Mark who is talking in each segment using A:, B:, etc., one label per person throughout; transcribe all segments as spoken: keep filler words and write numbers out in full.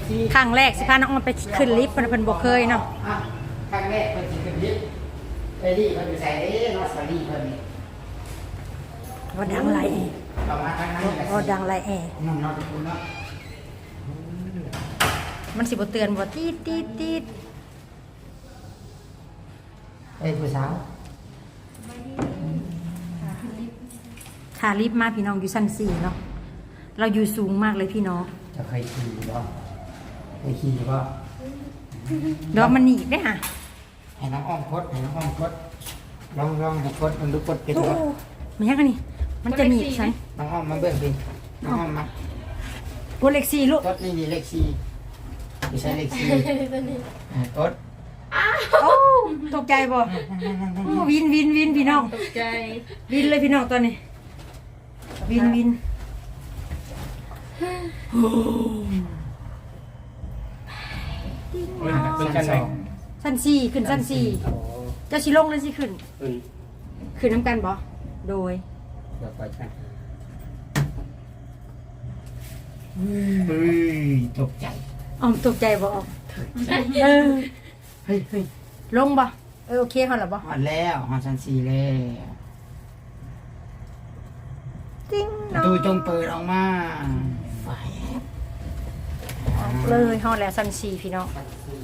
A: ครั้งแรกสิพาน้องออมไปขึ้นลิฟต์เพิ่นเพิ่นบ่เคยเนาะ
B: ครั้งแรกเพิ่นสิขึ้นลิฟต์ไอ้นี่เพิ่นอยู่ใส่เด้เนาะสาลีเพิ่นนี่
A: ว่าดังไรแอร์
B: ประมาณทั้งนั้นแหละ
A: ว่าดังไรแอร์
B: น้องๆทุกคนเนาะ
A: มันสิบ่เตือนบ่ตีดตีดตีด
B: เอ้ยผู้สาว
A: ขาลิฟต์มาพี่น้องอยู่ชั้นสี่เนาะเราอยู่สูงมากเลยพี่น้อง
B: จะเคยขี่บ่เคยขี่บ่
A: ดอกมันหนีบได้ห่ะ
B: ให้น้องอ้อมพดให้น้องอ้อมพดลองลองให้พดมันดูพดเป็นบ่
A: มันยังไงนี่มันจะหนีบฉัน
B: น้องอ้อมมาเบิ่งดิน้องอ้อมมา
A: พดเลขสี่ลูก
B: พดนี่นี่เลขสี่ไม่ใช่เลขสี่พด
A: โอ้ตกใจบ่วินวินวินพี่น้อง
C: ตกใจ
A: วินเลยพี่น้องตอนนี้วินวิน
B: ชั้นสอง
A: ชั้นสี่ขึ้นชั้นสี่เจ้าชิลงเลยสิขึ้นขึ้นน้ำกันบ่โดย
B: เดี๋ยวไปกันเฮ้ยตกใจ
A: อ๋อตกใจบ่ออกเออ
B: เฮ้ยเฮ้ย
A: ลงบ่เออโอเคเขาหรอบ่
B: หอดแล้วหอดชั้นสี่แล้ว
A: จริง
B: ประตูจงเปิดออกมาไฟ
A: เลยหอดแล้วชั้นสี่พี่น้อง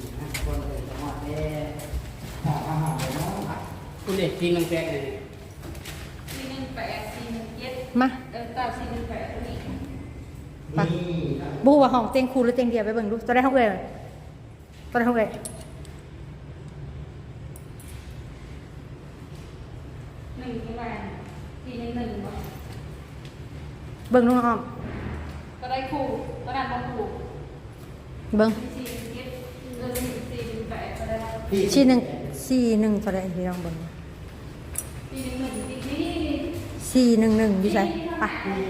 B: คุณเด็กกินน้ำแกงเลย
C: สี่หนึ่งแปดสี่หนึ่งเจ็ด
A: มา
C: เออเก้าสี่หนึ่งแปดนี่
A: บูว่าห้องเตียงคูหรือเตียงเดียวไปเบิ่งดูตัวได้ห้องเอ๋ยตัวได้ห้องเอ๋ย
C: หนึ่งประมาณสี่หนึ่งหนึ่งบ่
A: เบิ่งน้องอ้อม
C: ก็ได้คู่ก็ได้บางคู่
A: เบิ่ง
C: สี่หนึ่งเจ็ดเออสี่หนึ่งแปดก็ได้
A: สี่หนึ่งสี่หนึ่งตัวได้พี่น้องเบิ่ง
C: สี่หนึ่งหนึ่งนี่
A: สี่หนึ่งหนึ่งอยู่ไสไป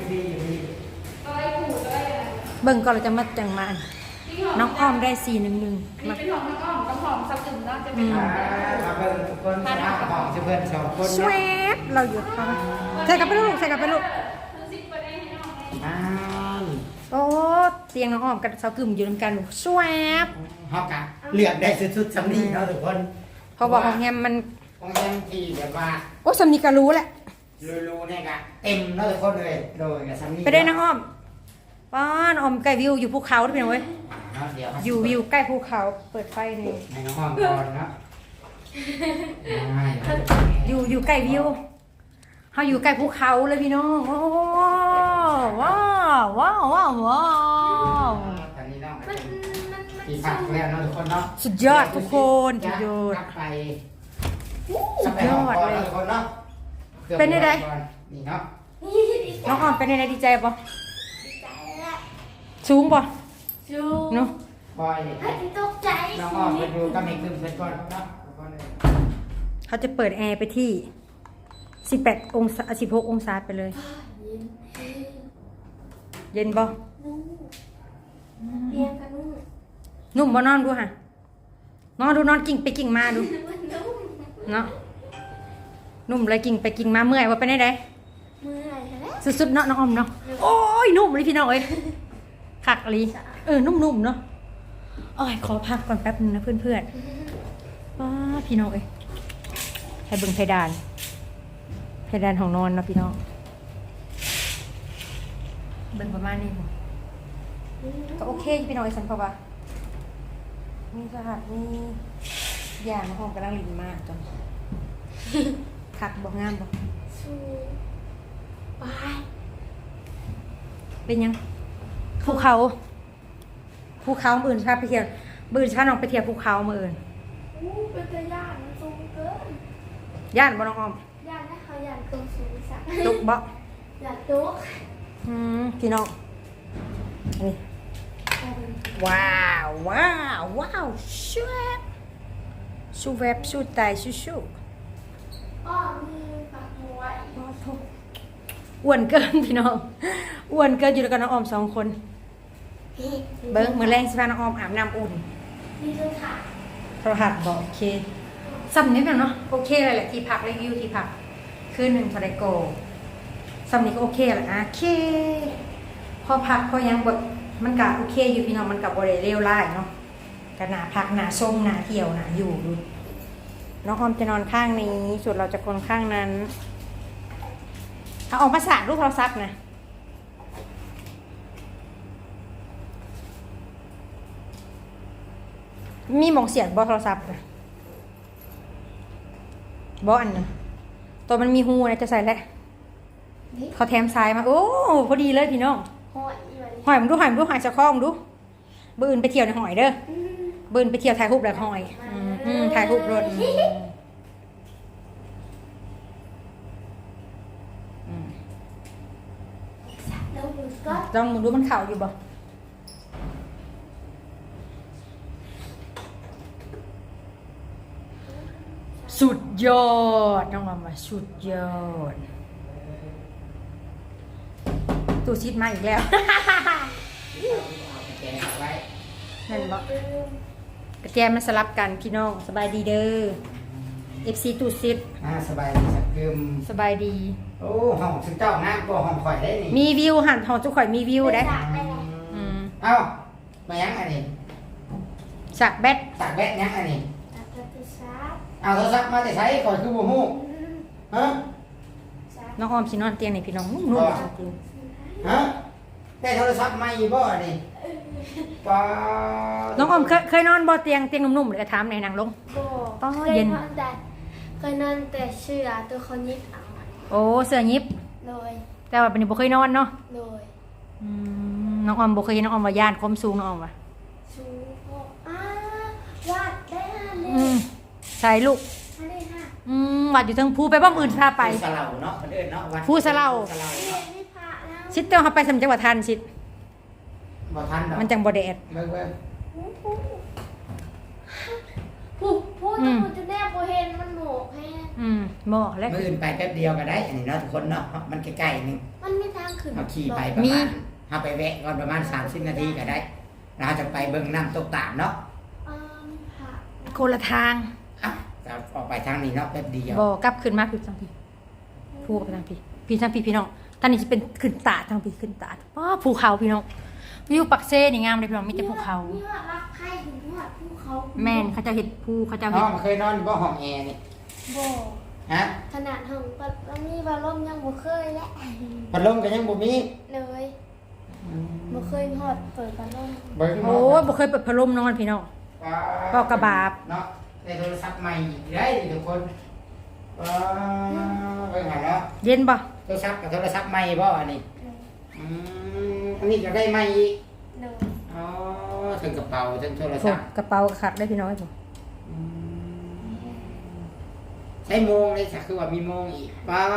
A: เบิ่งก่อนเราจะมาจังมาน้องอ้อมได้สี่หนึ่งหนึ่ง
C: นี่เป็นของน้องอ้อมกับของสับตึงเนาะจะเป็นของ
B: มาเบิ่งทุกคนมาของเพื่อนสองคน
A: สวยเราอยู่ค่ะใส่กลับไปลูกใส่กลับไปลูก
B: อ้าว
A: โอ้เตียงน้องอ้อมกับสาวกึ่มอยู่นำกันสวย
B: ฮอกะเลือกได้สุดๆสำนีเนาะทุกคน
A: พอบอกของแฮมมัน
B: ของแฮมที่แบบว่า
A: โอ้สำนีก็รู้แหละ
B: รู้ๆเนี่ยกะเต็มเนาะทุกคนเลยโดยกับสำนี
A: ไปได้น้องอ้อมป้านอ้อมใกล้วิวอยู่ภูเขาด้วยพี่น้องเว้ยอยู่วิวใกล้ภูเขาเปิดไฟเลย
B: ให้น้องอ้อมก่อนเนาะ
A: อยู่อยู่ใกล้วิวเขาอยู่ใกล้ภูเขาเลยพี่น้องโอ้ว้าวว้าวว้าวว้าว
B: ตอนนี้น้องที่พักแล้วเนาะทุกคนเนาะ
A: สุดยอดทุกคนสุดยอด
B: ไป
A: สุดยอดเลยเป็นยังไง
B: นี่เนาะ
A: น้องอ้อมเป็นยังไงดีใจปะสูงปะ
C: สูง
A: เนาะ
B: บอย
C: ตกใจ
B: น้องอ้อมไปดูก็ไม่ขึ้นเป็นก้อนเนาะ
A: เขาจะเปิดแอร์ไปที่สิบแปดองศาสิบหกองศาไปเลยเย็นบ่
C: เรียนกันนุ่ม
A: นุ่มบ่นอนดูฮะนอนดูนอนกิ่งไปกิ่งมาดูเนาะนุ่มเลยกิ่งไปกิ่งมาเมื่อยว่าไปไหนได้
C: เมื่อยแล้ว
A: สุดๆเนาะน้องอมเนาะโอ้ยนุ่มเลยพี่น้องเอ้ยขักลีเออนุ่มๆเนาะโอ้ยขอพักก่อนแป๊บนึงนะเพื่อนๆว้าพี่น้องเอ้ยให้เบิ่งเพดานเพดานของนอนนะพี่น้องเบิ่งประมาณนี้บ่ก็โอเคพี่น้องไอ้สันเพราะว่ามีสหัสมีอย่างห้องกำลังลินมากจังขักบ่งามบ่
C: ไป
A: เป็นยังภูเขาภูเขาเมื่อื่นชาไปเที่ยวเมื่อื่นชาน้องไปเที่ยวภูเขาเมื่อื่น
C: อู้เป็นตะย่านมันสูงเกิน
A: ย่านบ่น้องออม
C: ย่านนะเขาย่านตรงสูงสัก
A: ตุกบ่
C: ย่านตุก
A: อืมพี่น้องนี่ว้าวว้าวว้าวชูแวบชูแวบชูตายชูชู
C: อ๋อมีผักมวย
A: อ้วนเกินพี่น้องอ้วนเกินอยู่ด้วยกันน้องออมสองคนเบิ้งมือแรงสิพาน้องออมอาบน้ำอุ่น
C: มีโทรศัพท์
A: โทรศัพท์บอกโอเคซ้ำนิดหนึ่งเนาะโอเคเลยแหละที่พักรีวิวที่พักคืนหนึ่งทอร์เรโกซ้ำนี้ก็โอเคแหละโอเคพอพักพอยังแบบมันก็โอเคอยู่พี่น้องมันก็บ่ได้เลวร้ายเนาะก็หน้าพักหน้าส้มหน้าเที่ยวหน้าอยู่ดูน้องออมจะนอนข้างนี้ส่วนเราจะคนข้างนั้นเอาออกมาสาดลูกโทรศัพท์นะมีหมองเสียดบ่โทรศัพท์นะบ่อันนะตัวมันมีหูนะจะใส่แล้วเขาแถมสายมาโอ้พอดีเลยพี่น้อง
D: หอยอีวัน
A: หอยมึงดูหอยมึงดูหอยสะข้อมึงดูบืนไปเที่ยวในหอยเด้อบืนไปเที่ยวถ่ายรูปแบบหอยอืมอืมถ่ายรูปรถอืม
D: แล้วมึงก็
A: ลองมึงดูมันเข่าอยู่บ่สุดยอดน้องมามาสุดยอดตูชิดมาอีกแล้ว
B: แกงเอาไว้
A: นั่นบ่กระแจมันสลับกันพี่น้องสบายดีเด้อ เอฟ ซี ตูซิด
B: อ่าสบายดีสักกึม
A: สบายดี
B: โอ้ห้องซึ่งเจ้าน้ำก็ห้องข่อยได้นี่
A: มีวิวหันทองจุกข่อยมีวิวได้ อืม
B: เอ้ามายังอันนี้
A: สักแบต
B: สักแบตยังอันนี้
D: ตัดกระตุ้ซับ
B: เอาโทรศัพท์มาแต่ใช้ก่อนคือบ่ฮู้ฮะ
D: ซับ
A: น้องออมสินอนเตียงนี่พี่น้องนุ่มๆจริง
B: ฮะได้โทรศัพท์ใหม่บ่นี่ป้า
A: ๆน้องออมเคยเคยนอนบ่เตียงเตียงนุ่มๆเลยก็ถามในนางลง
D: โบ
A: อ๋อ
D: เคย
A: เย็น
D: นอนแต่เคยนอนแต่เชื่อตัวเขายิบเอา
A: โอ้เสื้อยิบ
D: เลย
A: แต่ว่าเป็นบ่เคยนอนเนาะ
D: เลย
A: อืมน้องออมบ่เคยเห็นน้องออมว่าย่านความสูงน้องออมว่ะ
D: ชูโบอ้าวาดได้ห้าเล
A: อืม
D: ย
A: ใส่ลูก
D: ห้าเลยค่ะ
A: อืมวัดอยู่เทั้งภูไปบ่อื่นพาไป
B: ผู้สะเหล่าเนาะมันเอิ้นเนาะวัด
A: ผู้สะเหล่า
B: ผู้สะเหล่า
D: เรีย
B: เนาะ
D: นไม่พระแล้ว
A: ชิดเตียวเฮาไปสำจังหวัดทันชิด
B: บ่ทันดอก
A: มันจังบ่แดด
B: เบิ่งเบิ่ง
D: พูดพูด
A: อืม
D: พูดจะแนบโบเห็นมันโหมกแฮง
A: อืมบ่แล้ว
B: มื้ออื่นไปแป๊บเดียวก็ได้ อันนี้เนาะทุกคนเนาะมันใกล้ๆนึง
D: มันไม่ทางขึ้น
B: เอาขี่ไปประ
A: มี
B: มาณเฮาไปแวะก่อนประมาณสามสิบนาทีก็ได้แล้วเราจะไปเบิ่งน้ำตกตาดเนาะ
D: อ่ามีพระ
A: คนละทาง
B: อ่ะจะออกไปทางนี้เนาะแป๊บเดียว
A: บ่กลับขึ้นมาพี่ทางพี่ภูไปทางพี่พี่ทางพี่พี่น้องตอนนี้สิเป็นขึ้นตาดทางพี่ขึ้นตาดว้าภูเขาพี่น้องวิวปักเซ่นี่งามเลยพี่น้องมีแต่ภูเขา
D: นี่ว่ารักใครถึงว่าภูเขา
A: แม่นเขาเจะเห็ดภูเขาเจะ
B: ห้
A: เห็ด
B: องเคยนอนอยู่บ่ห้องแอร์นี่
D: โบ
B: ฮะ
D: ขนาดห้องปัดแล้วมีบาลมยังบ่เคยและ
B: พัดลมก็ยังบ่มี
D: เลยบ่เคยฮอดเปิดบาลม
B: เบิ่ง
A: โอ้ยบ่เคยเปิดพัดลมนอนพี่น้อง ก็กระบาบ
B: เนาะได้โทรศัพท์ใหม่อีกได้ทุกคนว้าเบิ่งหาเนาะ
A: เย็นบ่
B: โทรศัพท์กับโทรศัพท์ใหม่บ่อันนี้อืมอันนี้ก็ได้ใหม่อีก
D: เลย
B: อ๋อถึงกระเป๋าถึงโทร
A: โอ้
B: ศัพท์
A: กระเป๋าขัดได้พี่น้องไอ้ผม
B: อืมใช้โมงเลยจ้ะคือว่ามีโมงอีกป้า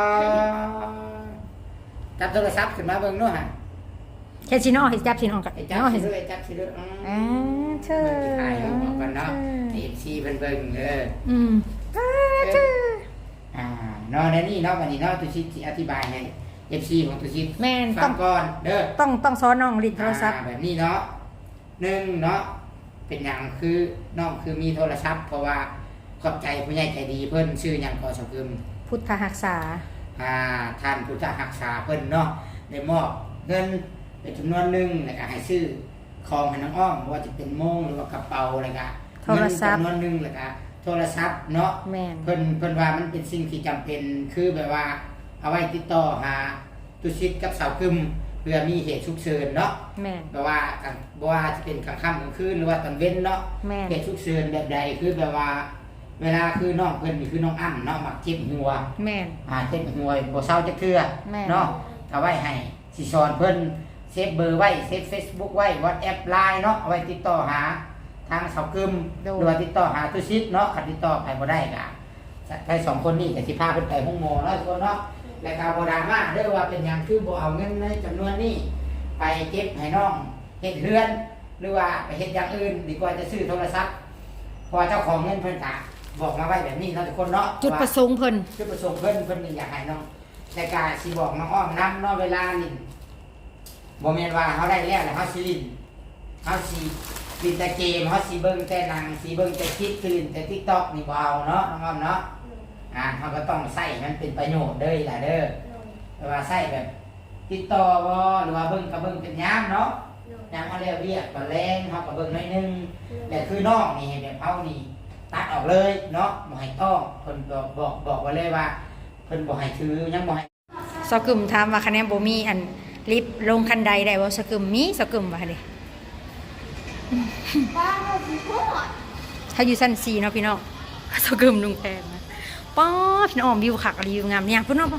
B: จับโทรศัพท์ขึ้นมาเบิ่งเนาะฮะ
A: แค่ชิน้อเห็ดจับชิน้องกัน
B: ไอ้จับ
A: น้อ
B: สิ
A: เห็ด
B: เลยจับสิเลยอืม
A: อ่าเชิ
B: เบิ่ง
A: ญ
B: ที่ถ่ายเอาออกกันเนาะเอฟซีเพิ่นเบิ่งเออ
A: อืมอ่าเชิญ
B: อ่าเนาะในนี่เนาะวันนี้เนาะตุชิตสิอธิบายให้เอฟซีของตุชิต
A: แม่น
B: ฟั
A: ต้อง ง
B: ก่อนเด้อ
A: ต้องต้องซ้อนน้องลิ้นโทรศัพท์
B: อ่าแบบนี้เนาะหนึ่งเนาะเป็นอย่างคือน้องคือมีโทรศัพท์ เพราะว่าขอบใจผู้ใหญ่ใจดีเพิ่นชื่อหยังก็สกึม
A: พุทธหักษา
B: อ่าท่านพุทธรักษาเพิ่นเนาะได้มอบเงินเป็นจำนวนหนึ่งแล้วก็ให้ซื้อของให้น้องอ้อมบ่ว่าจะเป็นโมงหรือว่ากระเป๋าอะไรก็
A: โทรศัพท์
B: เงินจำนวนหนึ่งแล้วก็โทรศัพท์เนาะ
A: แม่น
B: เพิ่นเพิ่นว่ามันเป็นสิ่งที่จำเป็นคือแบบว่า เอาไว้ติดต่อหาตุชิตกับสาวกึมเพื่อมีเหตุฉุกเฉินเนาะ
A: แม่น
B: แบบว่ากันบ่ว่าจะเป็นกลางค่ำกลางคืนหรือว่าตอนเว้นเนาะ
A: แม่น
B: เหตุฉุกเฉินแบบใดคือแบบว่า เวลาคือน้องเพิ่นนี่คือน้องอ้ำเนาะมักเจ็บหัว
A: แม่น
B: อ่าเจ็บหัวบ่เศร้าจักเทื่อ
A: แม่น
B: เนาะเอาไว้ให้สิสอนเพิ่นเซฟเบอร์ไว้เซฟ Facebook ไว้ WhatsApp ไลน์เนาะเอาไว้ติดต่อหาทางสาวกึมหรือว่าติดต่อหาตุชิตเนาะคันติดต่อไปบ่ได้ก็ไปสองคนนี้ก็สิพาเพิ่นไปห้องหมอเนาะทุกคนเนาะแล้วก็บ่ดราม่าเด้อว่าเป็นหยังคือบ่เอาเงินในจำนวนนี้ไปเก็บให้น้องเฮ็ดเฮือน หรือว่าไปเฮ็ดอย่างอื่นดีกว่าจะซื้อโทรศัพท์เพอเจ้าของเงินเพิ่นก็บอกมาไว้แบบนี้เนาะทุกคนเนาะ
A: จุดประสงค์เพิ่น
B: จุดประสงค์เพิ่นเพิ่นนี่อยากให้น้องแต่กาสิบอกน้องอ้อมนำเนาะเวลานี่บ่แม่นว่าเฮาได้แล้วแล้วเฮาสิลิ้นเฮาสิลิ้นแต่เกมเฮาสิเบิ่งแต่หนังสิเบิ่งแต่คลิปสิลิ้นแต่ TikTok นี่บ่เอาเนาะน้องอ้อมเนาะอ่าเฮาก็ต้องใช้มันเป็นประโยชน์เด้อล่ะเด้อ
D: เลย
B: แต่ว่าใช้แบบ ติดต่อบ่หรือว่าเบิ่งก็เบิ่งเป็นยามเนาะ
D: เลย
B: ยามเขาเรียกเวียกตอนแรงเขาก็เบิ่งหน่อยนึงแต่คือนอกนี่แบบเขานี่ตัดออกเลยเนาะบ่ให้ต้องเพิ่นบอกบอกบอกไว้เลยว่าเพิ่นบ่ให้ถือยังบ่ให้
A: สกึมถามว่าคะแนนบ่มีอันลิฟต์ลงคันใดได้บ่สกึมมีสกึมว่าเด้
D: บ้านเราสิโคตร
A: ถ้าอยู่ชั้นสี่เนาะพี่น้องสกึมลุงแพงนะป๊อพี่น้องวิวคักวิวงามเนี่ยพุ่นเนาะ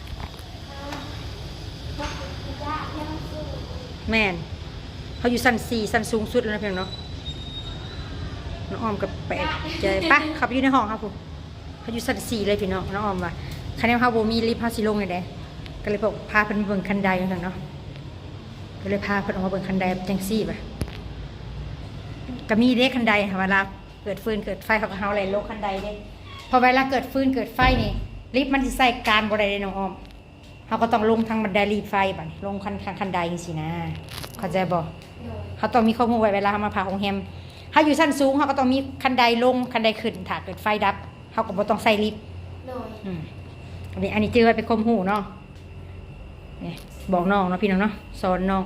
A: แม่นเขาอยู่ชั้นสี่ชั้นสูงสุดแล้วนะพี่น้องเนาะน้องออมกับแปดใจปะขับอยู่ในห้องครับผมเขาอยู่ชั้นสี่เลยพี่น้องน้องออมว่าคะแนนเขาบ่มีลิฟต์เขาสิลงเลยเด้ก็เลยบอกพาเพิ่นเบิ่งคันใดจังซั่นเนาะก็เลยพาเพิ่นออกมาเบิ่งคันใดจังซี่ป่ะก็มีเด้คันใดค่ะเวลาเกิดฟืนเกิดไฟเขาก็เฮาไหลลงคันใดเด้พอเวลาเกิดฟืนเกิดไฟนี่ลิฟต์มันสิใส่การบ่ได้เด้น้องออมเขาก็ต้องลงทางบันไดรีบไฟบัดนี้ลงคันคันใดจังซี่นะเข้าใจบ่เขาต้องมีข้อมูลไว้เวลาเขามาพาโรงแรมถ้าอยู่ชั้นสูงเขาก็ต้องมีคันใดลงคันใดขึ้นถ้าเกิดไฟดับเขาก็บ่ต้องใส่ลิฟต์
D: โดย
A: อืมอันนี้อันนี้จื้อไว้เป็นคมหูเนาะนี่บอกน้องเนาะพี่น้องเนาะสอนน้อง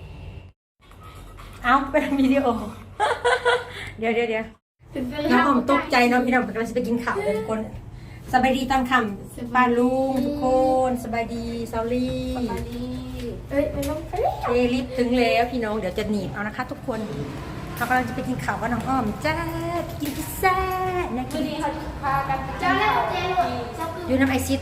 A: เอาเป็นวิดีโอ เดี๋ยวเดี๋ยวเดี๋ยว
D: เป็นไป
A: น้องผมตกใจเนาะพี่น้องกำลังจะไปกินข้าวเลยทุกคนสบายดีตามคำป้าลุงทุกคนสบายดีซอรี่
D: สบายดีเอ้ยเป็นน้องเอ้ย
A: เอลิฟถึงแล้วพี่น้องเดี๋ยวจะหนีบเอานะคะ ทุกคนเขากำลังจะไปกินข้าวกับน้องอ้อมจ้ากินพิซซ่านะ
C: คื
A: กิ
C: อน นี้เขาจะพากันไป
D: เจ้าแล้วเจ้าเลยเจ้าคือ
A: อยู่น้ำไอซิด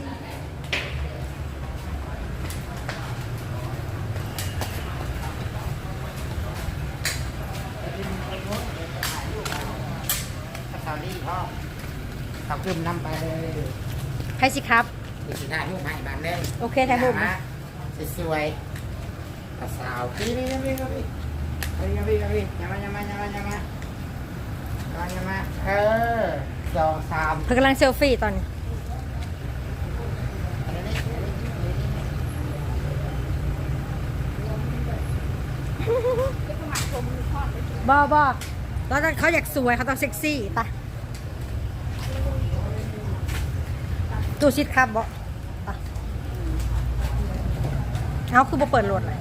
B: กับสาวลี่พ่อเขากึมนำไปเลย
A: ใครสิครับ
B: มีสิถ่ายรูปให้บ้านเลย
A: โอเคถ่ายรูปนะ
B: สวยๆกับสาวพี่นี่นี่นี่นี่นี่นี่นี่อย่ามาอย่ามาอย่ามาอย่ามาอย่ามาอย่ามาเออสองสาม
A: เธอกำลังเซลฟี่ตอนนี้บอบอแล้วเขาอยากสวยเขาต้องเซ็กซี่ปะตู้ชิดครับบอปะเอาคือบ่เปิดรถเลย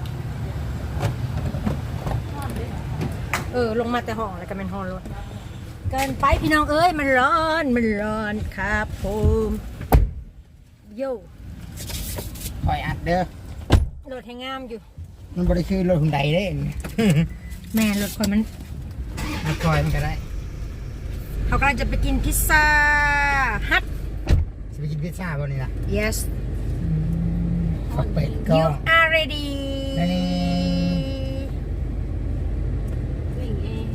A: เออลงมาแต่ห้องแล้วก็เป็นห้องรถเกินไปพี่น้องเอ้ยมันร้อนมันร้อนครับผมโย่
B: คอยอัดเด้อ
A: รถให้งามอยู่
B: มันบริคือรถหุ่นใดเด้
A: แม่รถคนมัน
B: อัดคอยมันก็ได้
A: เขากำลังจะไปกินพิซซ่าฮัท
B: จะไปกินพิซซ่าบ่นี่ล่ะ
A: yes
B: ขับเป็ดก็
A: you are ready
B: นี่
C: สิ่งเอง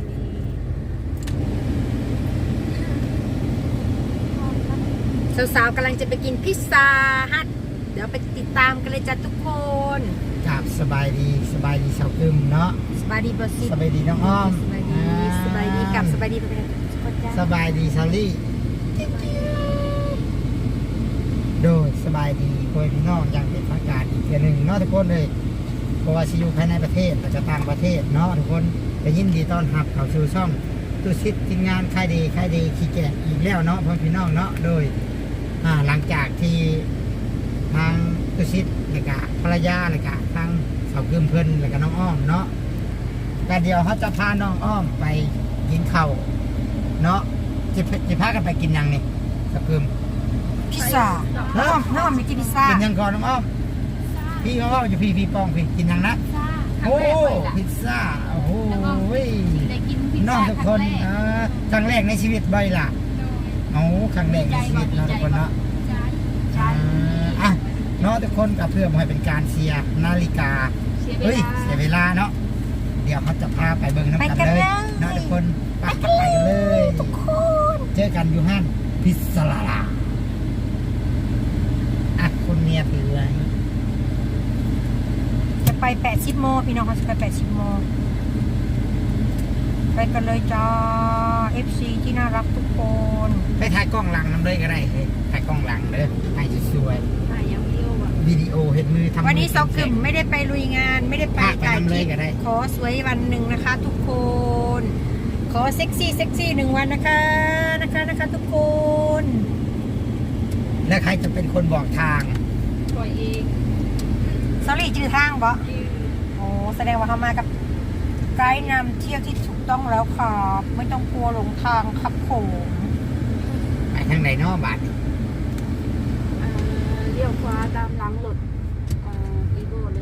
C: นี่
A: สาวๆกำลังจะไปกินพิซซ่าฮัทเดี๋ยวไปติดตามกันเลยจ้ะทุกคน
B: กับสบายดีสบายดีสาวกึมเนาะ
A: สบายดีบอสซิ
B: สบายดีน้องอ้อม
A: สบายดีสบายดีกับสบายดีไปเป็นทุกคนจ้า
B: สบายดีซาลี่โดยสบายดีคุยพี่น้องอย่างเป็นทางการอีกเทียหนึ่งเนาะทุกคนเลยเพราะว่าชีอยู่ภายในประเทศอาจจะต่างประเทศเนาะทุกคนจะยินดีต้อนรับเข้าสู่ช่องตุชิตทีมงานค่ายดีค่ายดีขี้แก่อีกแล้วเนาะพ่อพี่น้องเนาะโดยอ่าหลังจากที่ทางตุชิตและกะภรรยาและกะทางสาวกึมเพิ่นและกะน้องอ้อมเนาะแต่เดี๋ยวเขาจะพาน้องอ้อมไปกินข้าวเนาะจะจะพากันไปกินยังนี่สาวกึม
A: พิซซ่าน้องน้องไปกินพิซซ่า
B: กินยังก่อนน้องอ้อมพี่น้องอ้อมอยู่พี่พี่ปองพี่กินยังนะโอ้พิซซ่าโอ้โห
C: ได้กินพิซ
B: น้อง
C: ซ่า
B: ทุกคนอ่าครั้งแรกในชีวิตบ่อยล่ะโอ้ครั้งแรกในชีวิตเนาะทุกคนเนาะอ่าอ่ะเนาะทุกคนกับเพื่อมาให้เป็นการเสียนาฬิกาเฮ้ยเสียเวลาเนาะเดี๋ยวเขาจะพาไปเบิ่งน้ำกันเลยเนาะทุกคนไปกันไปกันเลยทุกคนเจอกันอยู่ห้านพิซซ่าลาอ่ะคุณเมียถือไว้
A: จะไปแปดสิบโมงพี่น้องเขาจะไปแปดสิบโมงไปกันเลยจ้า เอฟ ซี ที่น่ารักทุกคน
B: ไปถ่ายกล้องหลังน้ำเลยก็ได้เฮ้ยถ่ายกล้องหลังเลยถ่ายสวย
C: ถ่ายยังวิดีโออ่ะ
B: ๆวิดีโอเห็นมือทำ
A: วันนี้
B: มื
A: ซอกกึมไม่ได้ไปลุยงานไม่ได้ไป
B: พาไป
A: ถ่ายค
B: ทำเล
A: ลิ
B: ย
A: ป
B: ก็ได้
A: ขอสวยวันหนึ่งนะคะ ทุกคน ขอเซ็กซี่เซ็กซี่หนึ่งวันนะคะนะคะนะคะทุกคน
B: แล้วใครจะเป็นคนบอกทาง
C: ปล่อยเอง
A: สอรี่จือทางบ่โอ้อ้แสดงว่าเขามากับไกด์นำเที่ยวที่ถูกต้องแล้วครับไม่ต้องกลัวหลงทางครับผม
B: ไปทางไหนเนาะบาท
C: เอ่อเลี้ยวขวาตามหลังรถเอ่ออีโบเลย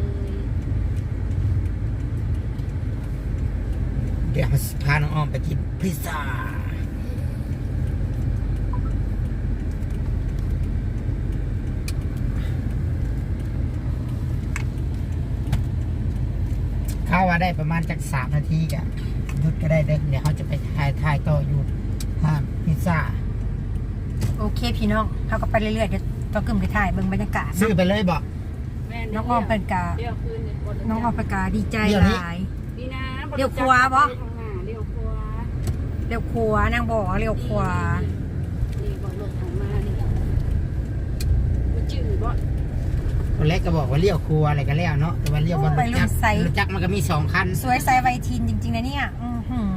B: เดี๋ยวพาน้องอ้อมไปกินพิซซ่าเข้าว่าได้ประมาณจากสามนาทีกะหยุดก็ได้เด้อเดี๋ยวเขาจะไปถ่ายถ่ายต่ออยู่ห้านพิซซ่า
A: โอเคพี่น้องเขาก็ไปเรื่อยๆเดี๋ยวต้องกึ่มไปถ่ายเบิ่งบรรยากาศ
B: ซื้อไปเลยบอก
C: แม่
A: น้องอ้อมเป็นกา
C: เลี้ยวคืนเนี่ยบ่ได้
A: น้องอ้อมเป็นกาดีใจ
B: เดี๋ยวนี้
A: หลาย
C: นี่นะ
A: เลี้ยวขวาบ่
C: ทางหน้าเลี้ยวขวา
A: เร็วขวานางบอกว่าเร็วขวา
C: นี่บอกรถทางมานี่มันจืดบ่
B: คนเล็กก็บอกว่าเลี้ยวครัวอะไรก็แล้วเนาะแต่ว่าเลี้ยวบนรถจักรรถจักรมันก็มีสองคัน
A: สวยไซไวทีนจริงๆนะเนี่ยอื้อหือ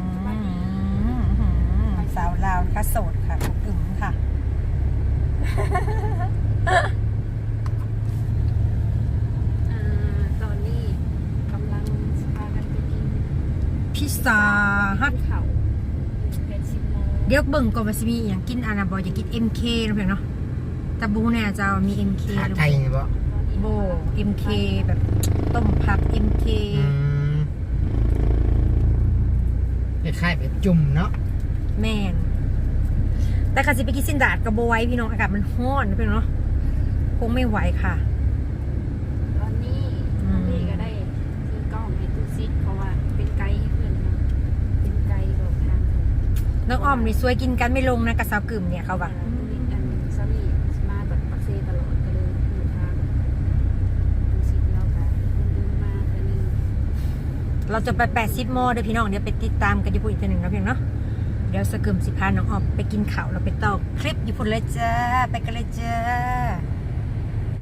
A: สาวลาวค่ะโสดค่ะอบอึมค่ะ
C: อ่าตอนนี้กำลังพากันไปกิน
A: พิซซ่าฮัท
C: เขาเป็นสิบโมง
A: เดี๋ยวเบิ่งก่อนว่าสิมีอย่างกินอานาบอยอยากกิน เอ็ม เค นะเพื่อนเนาะแต่บูเนี่ยจะมี เอ็ม เค
B: ขา
A: หรือ
B: ไทยนี่บ่
A: โบ เอ็ม เค แบบต้มผัก เอ็ม เค
B: อืมคล้ายๆแบบจุ่มเนาะ
A: แม่นแต่ค่ะสิไปกินสินดาดกับโบไว้พี่น้องอากาศมันร้อนนะเพื่อนเนาะคงไม่ไหวค่ะ
C: ตอนนี้
A: อืม
C: พี่ก็ได้ซื้อกล้องให้ตูซิดเพราะว่าเป็นไกด์ให้เพื่อนนะเป็นไกด์บอกทาง
A: น้องอ้อมนี่สวยกินกันไม่ลงนะกับสาวกึ่มเนี่ยเขาแบบ
C: ตูซิดอันซามีมาแบบปักเซตลอดก็เลยอยู่ทางตูซิดแล้วกันเดินมาแต่นึง
A: เราจะไปแปดสิบโมเดี๋ยวพี่น้องเดี๋ยวไปติดตามกันญี่ปุ่นอีกทีหนึ่งนะเพียงเนาะเดี๋ยวสกึมสิพาน้องออมไปกินข้าวเราไปต่อคลิปญี่ปุ่นเลยจ้าไปกันเลยจ้า